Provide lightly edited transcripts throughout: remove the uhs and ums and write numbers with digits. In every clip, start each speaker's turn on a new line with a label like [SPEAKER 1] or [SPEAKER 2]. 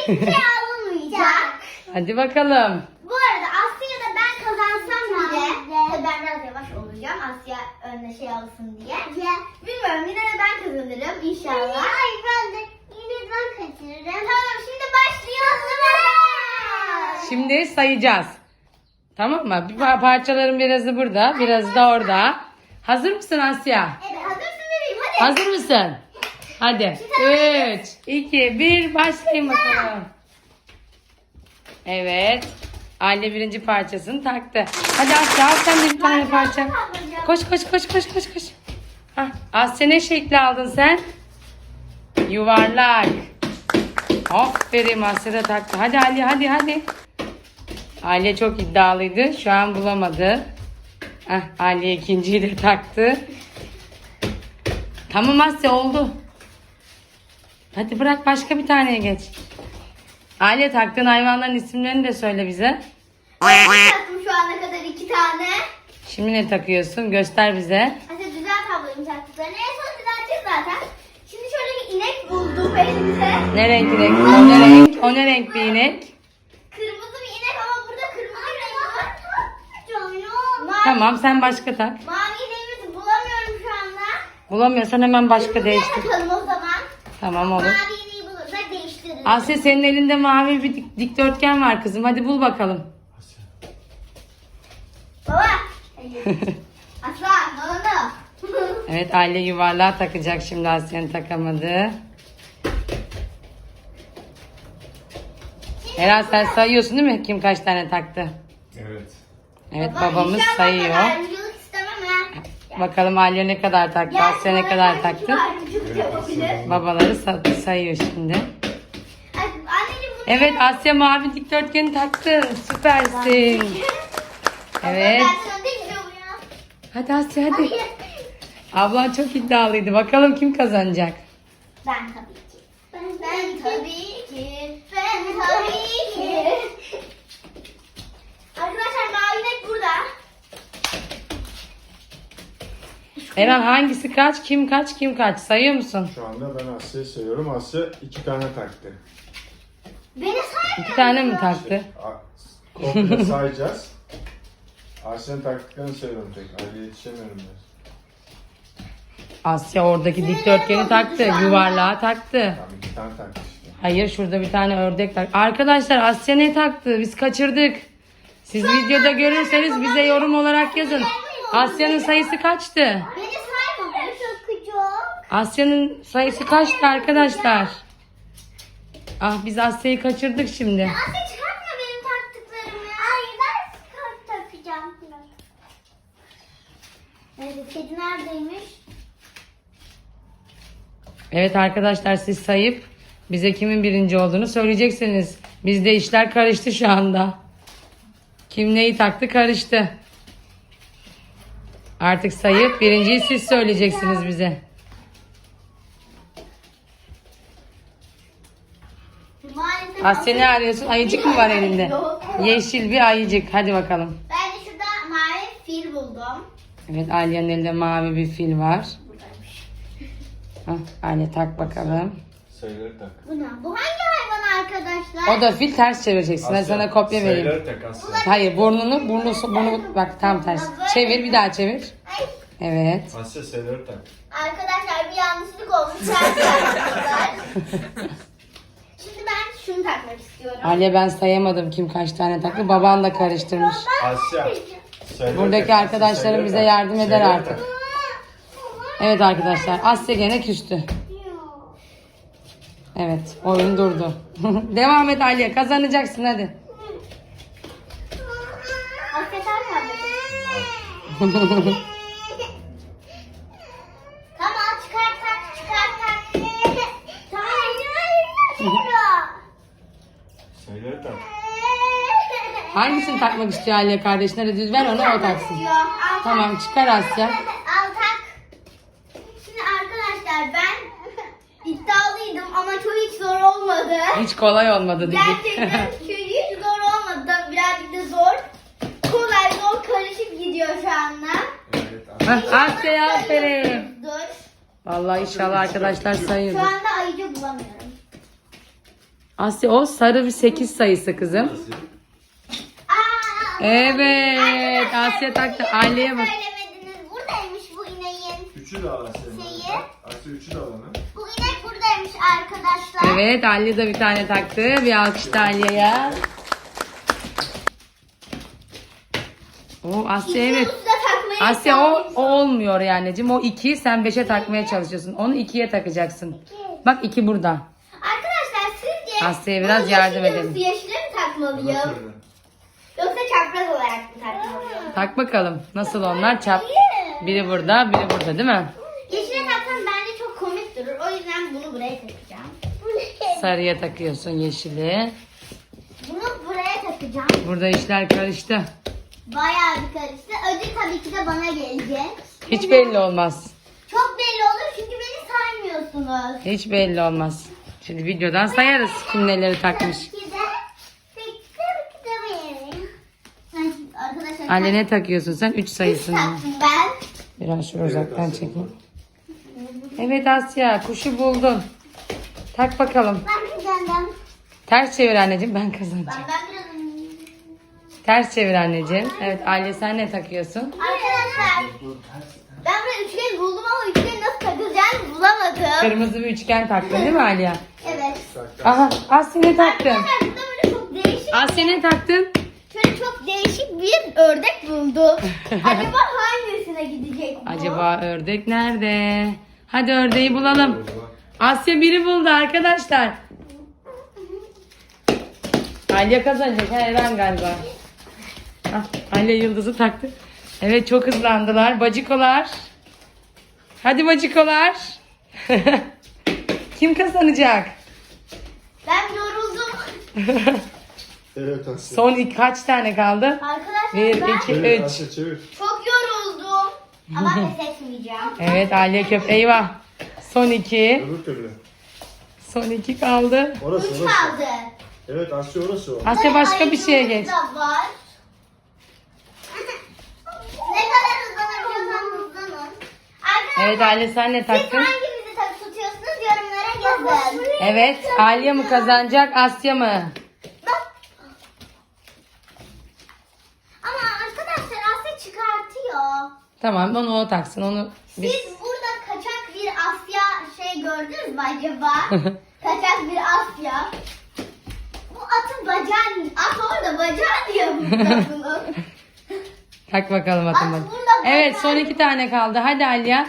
[SPEAKER 1] hiçbir şey alınmayacak.
[SPEAKER 2] Hadi bakalım.
[SPEAKER 1] Bu arada Asya da ben kazansam bile, tabii ben biraz yavaş olacağım Asya önüne şey alsın diye. Bilmiyorum, yine de ben kazanırım inşallah. Hayır, ben de yine ben kaçırırım. Tamam, şimdi başlıyoruz.
[SPEAKER 2] Şimdi sayacağız. Tamam mı? Parçaların birazı burada, birazı da orada. Hazır mısın Asya?
[SPEAKER 1] Evet, hazırsın bebeğim, hadi.
[SPEAKER 2] Hazır mısın? Hadi. 3, 2, 1 başlayın bakalım. Evet. Aile birinci parçasını taktı. Hadi Asya, al sen de bir tane parça. Koş koş koş koş koş koş. Hah, Asya ne şekli aldın sen? Yuvarlak. Aferin, Asya da taktı. Hadi Ali, hadi hadi. Ali çok iddialıydı. Şu an bulamadı. Ali ikinciyi de taktı. Tamam Asya, oldu. Hadi bırak, başka bir taneye geç. Ali, taktığın hayvanların isimlerini de söyle bize.
[SPEAKER 1] Ben taktım şu ana kadar 2 tane.
[SPEAKER 2] Şimdi ne takıyorsun? Göster bize.
[SPEAKER 1] Asya düzelt ablayım taktıklarını. En son düzelteceğiz zaten. Şimdi şöyle bir inek buldum elimize.
[SPEAKER 2] Ne renk inek? O ne renk? O ne renk bir inek?
[SPEAKER 1] Kırmızı bir inek ama burada kırmızı bir renk var.
[SPEAKER 2] Tamam, sen başka tak.
[SPEAKER 1] Mavi ineğimizi bulamıyorum şu anda.
[SPEAKER 2] Bulamıyorsan hemen başka
[SPEAKER 1] Kırmızıya
[SPEAKER 2] değiştir.
[SPEAKER 1] takalım o zaman.
[SPEAKER 2] Tamam, olur.
[SPEAKER 1] Mavi ineği bulursak değiştiririz.
[SPEAKER 2] Asya, senin elinde mavi bir dikdörtgen var kızım. Hadi bul bakalım.
[SPEAKER 1] Baba. Aslan, bana.
[SPEAKER 2] Evet, aile yuvarlağı takacak şimdi, Asya'nın takamadı. Eren, sen sayıyorsun değil mi? Kim kaç tane taktı?
[SPEAKER 3] Evet.
[SPEAKER 2] Evet,
[SPEAKER 1] Baba,
[SPEAKER 2] babamız
[SPEAKER 1] inşallah
[SPEAKER 2] sayıyor.
[SPEAKER 1] ayrımcılık istemem ha.
[SPEAKER 2] Bakalım Aliye ne kadar taktı, Asya ne kadar taktı.
[SPEAKER 1] Ayrımcılık yapabilir.
[SPEAKER 2] Babaları sayıyor şimdi.
[SPEAKER 1] Ay, anneciğim bunu...
[SPEAKER 2] Evet, Asya mavi dikdörtgeni taktı. Süpersin. Evet.
[SPEAKER 1] Ben sana demiyorum ya.
[SPEAKER 2] Hadi Asya, hadi.
[SPEAKER 1] Hayır.
[SPEAKER 2] Ablan çok iddialıydı. Bakalım kim kazanacak?
[SPEAKER 1] Ben tabii ki. Ben tabii ki. Ben tabii ki. Arkadaşlar mavi inek burada.
[SPEAKER 2] Eren, hangisi kaç, kim kaç, kim kaç? Sayıyor musun?
[SPEAKER 3] Şu anda ben Asya'yı sayıyorum. Asya 2 tane taktı.
[SPEAKER 1] Beni saymıyor.
[SPEAKER 2] 2 tane mi taktı?
[SPEAKER 3] Komple sayacağız. Asya'nın taktıklarını sayıyorum tek. Ali'ye yetişemiyorum ben.
[SPEAKER 2] Asya oradaki dikdörtgeni taktı. Yuvarlağı taktı.
[SPEAKER 3] Tamam 2 tane taktı işte.
[SPEAKER 2] Hayır, şurada bir tane ördek taktı. Arkadaşlar, Asya ne taktı? Biz kaçırdık. Siz videoda görürseniz bize yorum olarak yazın. Asya'nın sayısı kaçtı?
[SPEAKER 1] Beni saymıyor. Çok.
[SPEAKER 2] Asya'nın sayısı kaçtı arkadaşlar? Ah, biz Asya'yı kaçırdık şimdi.
[SPEAKER 1] Asya çıkartma benim taktıklarımı. Ay ben takacağım. Evet, kedi neredeymiş?
[SPEAKER 2] Evet arkadaşlar, siz sayıp bize kimin birinci olduğunu söyleyeceksiniz. Bizde işler karıştı şu anda. Kim neyi taktı karıştı. Artık sayıp birinciyi siz söyleyeceksiniz bize.
[SPEAKER 1] Maalesef
[SPEAKER 2] Asya, ne arıyorsun? Ayıcık mı var elinde?
[SPEAKER 1] Yok.
[SPEAKER 2] Yeşil bir ayıcık. Hadi bakalım.
[SPEAKER 1] Ben de şurada mavi fil buldum.
[SPEAKER 2] Evet, Alya'nın elinde mavi bir fil var.
[SPEAKER 1] Buradaymış.
[SPEAKER 2] Alya, tak bakalım.
[SPEAKER 3] Sayıları tak.
[SPEAKER 1] Bu ne? Bu hangi hayvan arkadaşlar?
[SPEAKER 2] O da fil, ters çevireceksin. Ben
[SPEAKER 3] Asya,
[SPEAKER 2] sana kopya vereyim.
[SPEAKER 3] Sayıları tak Asya.
[SPEAKER 2] Hayır, burnu bak tam ters. Çevir, bir daha çevir.
[SPEAKER 1] Ay,
[SPEAKER 2] Evet.
[SPEAKER 3] Asya sayıları tak.
[SPEAKER 1] arkadaşlar bir yanlışlık olmuş. Ters yapmışlar. Şimdi ben şunu takmak istiyorum.
[SPEAKER 2] Alya, ben sayamadım kim kaç tane taktı. Baban da karıştırmış.
[SPEAKER 3] Asya. Sayıları
[SPEAKER 2] Buradaki
[SPEAKER 3] tak.
[SPEAKER 2] arkadaşlarım
[SPEAKER 3] Sayıları
[SPEAKER 2] bize
[SPEAKER 3] tak.
[SPEAKER 2] yardım eder
[SPEAKER 3] Sayıları
[SPEAKER 2] artık.
[SPEAKER 3] tak.
[SPEAKER 2] Evet arkadaşlar, Asya gene küstü. Evet, oyun durdu. Devam et Alya, kazanacaksın hadi.
[SPEAKER 1] Hakikaten Tamam, çıkart tak. Tamam.
[SPEAKER 3] Sayıları tak.
[SPEAKER 2] Hangisini takmak istiyor Alya kardeşine? Hadi düz ver, onu o taksın.
[SPEAKER 1] Al tak.
[SPEAKER 2] Tamam, çıkar Asya.
[SPEAKER 1] Al tak. Şimdi arkadaşlar ben iddialıydım ama çok hiç zor olmadı.
[SPEAKER 2] Hiç kolay olmadı dedik.
[SPEAKER 1] Gerçekten hiç zor olmadı. Birazcık da zor. Kolay zor karışık gidiyor şu anda.
[SPEAKER 3] Evet.
[SPEAKER 2] Asya'ya aferin.
[SPEAKER 1] Dur.
[SPEAKER 2] Vallahi inşallah arkadaşlar
[SPEAKER 1] Şu
[SPEAKER 2] sayıyordur.
[SPEAKER 1] anda ayıcı bulamıyorum.
[SPEAKER 2] Asya o sarı bir 8 sayısı kızım.
[SPEAKER 1] Aa,
[SPEAKER 2] Evet.
[SPEAKER 1] arkadaşlar,
[SPEAKER 2] Asya taktı.
[SPEAKER 1] yine
[SPEAKER 2] Aileye bak.
[SPEAKER 1] söylemediniz. Buradaymış bu ineğin.
[SPEAKER 3] Üçü de al Asya'nın.
[SPEAKER 1] Şeyi.
[SPEAKER 3] Asya üçü de al onu.
[SPEAKER 1] Bu inek buradaymış arkadaşlar.
[SPEAKER 2] Evet, Ali de bir tane taktı. Bir alkış da Aliye'ye. O Asya evet.
[SPEAKER 1] İki ucu da takmayı
[SPEAKER 2] Asya o
[SPEAKER 1] çalışıyorum.
[SPEAKER 2] olmuyor yani anneciğim. O 2 sen 5'e takmaya çalışıyorsun. Onu 2'ye takacaksın. Bak 2 burada.
[SPEAKER 1] Arkadaşlar sizce
[SPEAKER 2] Asya'ya biraz
[SPEAKER 1] bunu
[SPEAKER 2] yardım
[SPEAKER 1] yeşile
[SPEAKER 2] edelim.
[SPEAKER 1] mi, yeşile mi takmalıyım?
[SPEAKER 3] Bana söyle.
[SPEAKER 1] Yoksa çapraz olarak mı takmalıyım?
[SPEAKER 2] Tak bakalım. Nasıl onlar? Çap. Biri burada, biri burada değil mi?
[SPEAKER 1] Yeşile taksam bence çok komik durur. O yüzden bunu buraya takacağım.
[SPEAKER 2] Sarıya takıyorsun yeşili.
[SPEAKER 1] Bunu buraya takacağım.
[SPEAKER 2] Burada işler karıştı.
[SPEAKER 1] Bayağı bir karıştı. Ödül tabii ki de bana gelecek.
[SPEAKER 2] Hiç belli olmaz.
[SPEAKER 1] Çok belli olur çünkü beni saymıyorsunuz.
[SPEAKER 2] Hiç belli olmaz. Şimdi videodan sayarız kim neleri takmış.
[SPEAKER 1] Tabii ki de benim. Arkadaşlar
[SPEAKER 2] Anne ne takıyorsun sen? 3 sayısını.
[SPEAKER 1] taktım ben.
[SPEAKER 2] Biraz şöyle uzaktan
[SPEAKER 3] Asya,
[SPEAKER 2] çekeyim. Evet Asya kuşu buldun. Tak bakalım.
[SPEAKER 1] Ben kazandım.
[SPEAKER 2] Ters çevir anneciğim ben kazanacağım.
[SPEAKER 1] Ben biraz...
[SPEAKER 2] Ters çevir anneciğim. Evet Aliye sen ne takıyorsun?
[SPEAKER 1] Arkadaşlar ben burada üçgen buldum ama üçgeni nasıl takılacağını bulamadım.
[SPEAKER 2] Kırmızı bir üçgen taktın değil mi Aliye?
[SPEAKER 1] Evet.
[SPEAKER 2] Aha Asya ne taktın?
[SPEAKER 1] Arkadaşlar burada böyle çok değişik,
[SPEAKER 2] Asya ne taktın?
[SPEAKER 1] şöyle çok değişik bir ördek buldum. Acaba hangisine gidecek bu?
[SPEAKER 2] Acaba ördek nerede? Hadi ördeği bulalım. Asya biri buldu arkadaşlar. Aliye kazanacak her an galiba. Ah, Aliye yıldızı taktı. Evet çok hızlandılar. Bacikolar. Hadi bacikolar. Kim kazanacak?
[SPEAKER 1] Ben yoruldum.
[SPEAKER 3] Evet Asya.
[SPEAKER 2] Son kaç tane kaldı?
[SPEAKER 1] Arkadaşlar
[SPEAKER 2] 1,
[SPEAKER 1] ben
[SPEAKER 2] 2,
[SPEAKER 3] Çevir
[SPEAKER 2] 3.
[SPEAKER 3] Asya çevir.
[SPEAKER 1] çok yoruldum. Ama pes etmeyeceğim.
[SPEAKER 2] Evet Aliye köp. Eyvah. Son 2.
[SPEAKER 3] Öbür türlü.
[SPEAKER 2] Son 2 kaldı.
[SPEAKER 3] Orası
[SPEAKER 1] 3
[SPEAKER 3] orası.
[SPEAKER 1] kaldı.
[SPEAKER 3] Evet Asya orası o.
[SPEAKER 2] Asya başka bir şeye
[SPEAKER 1] Ayıcığımız
[SPEAKER 2] geç.
[SPEAKER 1] da var. Ne kadar hızlanabiliyorsan hızlanın. Arkadaşlar
[SPEAKER 2] Evet Aliye sen ne
[SPEAKER 1] siz
[SPEAKER 2] taktın?
[SPEAKER 1] hanginizi tutuyorsunuz yorumlara yazın.
[SPEAKER 2] Evet Aliye mi kazanacak Asya mı?
[SPEAKER 1] Ama arkadaşlar Asya çıkartıyor.
[SPEAKER 2] Tamam onu o taksın onu biz...
[SPEAKER 1] Siz burada kaçak bir Asya şey gördünüz mü acaba? Kaçak bir Asya. Bu atın bacağı, at orada bacağı diye burada bunu.
[SPEAKER 2] Tak bakalım atın
[SPEAKER 1] At
[SPEAKER 2] bak.
[SPEAKER 1] burada
[SPEAKER 2] Evet
[SPEAKER 1] bak.
[SPEAKER 2] son 2 tane kaldı. Hadi Aliye.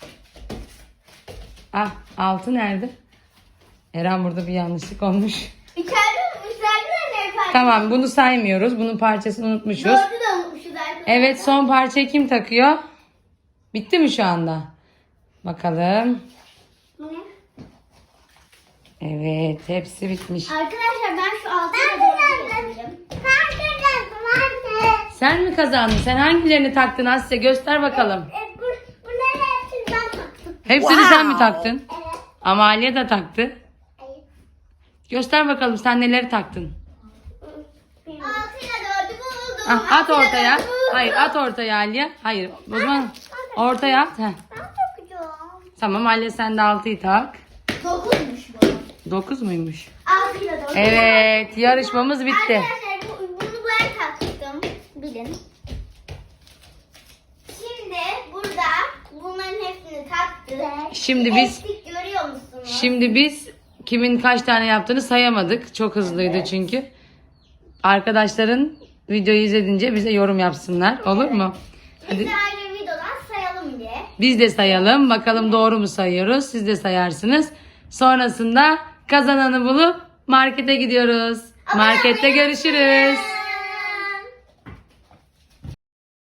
[SPEAKER 2] Ah 6 nerede? Eren burada bir yanlışlık olmuş.
[SPEAKER 1] İçeride unutmuşlar da ne fark?
[SPEAKER 2] Tamam bunu saymıyoruz. Bunun parçasını unutmuşuz.
[SPEAKER 1] Dördü de unutmuşuz arkadaşlar.
[SPEAKER 2] Evet son parçayı kim takıyor? Bitti mi şu anda? Bakalım.
[SPEAKER 1] Bu ne?
[SPEAKER 2] Evet hepsi bitmiş.
[SPEAKER 1] Arkadaşlar ben şu altına doğru geçeceğim. Ben kazandım anne.
[SPEAKER 2] Sen mi kazandın? Sen hangilerini taktın Asya? Göster bakalım.
[SPEAKER 1] Bunları hepsini ben taktım.
[SPEAKER 2] Hepsini sen mi taktın?
[SPEAKER 1] Evet.
[SPEAKER 2] Ama Aliye de taktı.
[SPEAKER 1] Hayır.
[SPEAKER 2] Göster bakalım sen neleri taktın.
[SPEAKER 1] 6 ile 4'ü buldum.
[SPEAKER 2] Ah, at
[SPEAKER 1] 6 ile
[SPEAKER 2] ortaya.
[SPEAKER 1] 4'ü buldum.
[SPEAKER 2] Hayır at ortaya Aliye. Hayır o zaman ortaya at. Heh.
[SPEAKER 1] Ben takacağım.
[SPEAKER 2] Tamam Aliye sen de 6'yı tak.
[SPEAKER 1] 9'muş bu.
[SPEAKER 2] 9 muymuş?
[SPEAKER 1] 6 ile 4.
[SPEAKER 2] Evet yarışmamız bitti.
[SPEAKER 1] Arkadaşlar bunu ben taktım. Bilin. Şimdi burada bunların hepsini taktık.
[SPEAKER 2] Şimdi biz-
[SPEAKER 1] Eksik görüyor musunuz?
[SPEAKER 2] Şimdi biz kimin kaç tane yaptığını sayamadık. Çok hızlıydı çünkü. Arkadaşların videoyu izledince bize yorum yapsınlar. Olur mu?
[SPEAKER 1] Biz
[SPEAKER 2] Hadi
[SPEAKER 1] de ayrı videodan sayalım diye.
[SPEAKER 2] biz de sayalım. Bakalım doğru mu sayıyoruz? Siz de sayarsınız. Sonrasında kazananı bulup markete gidiyoruz. Markette görüşürüz.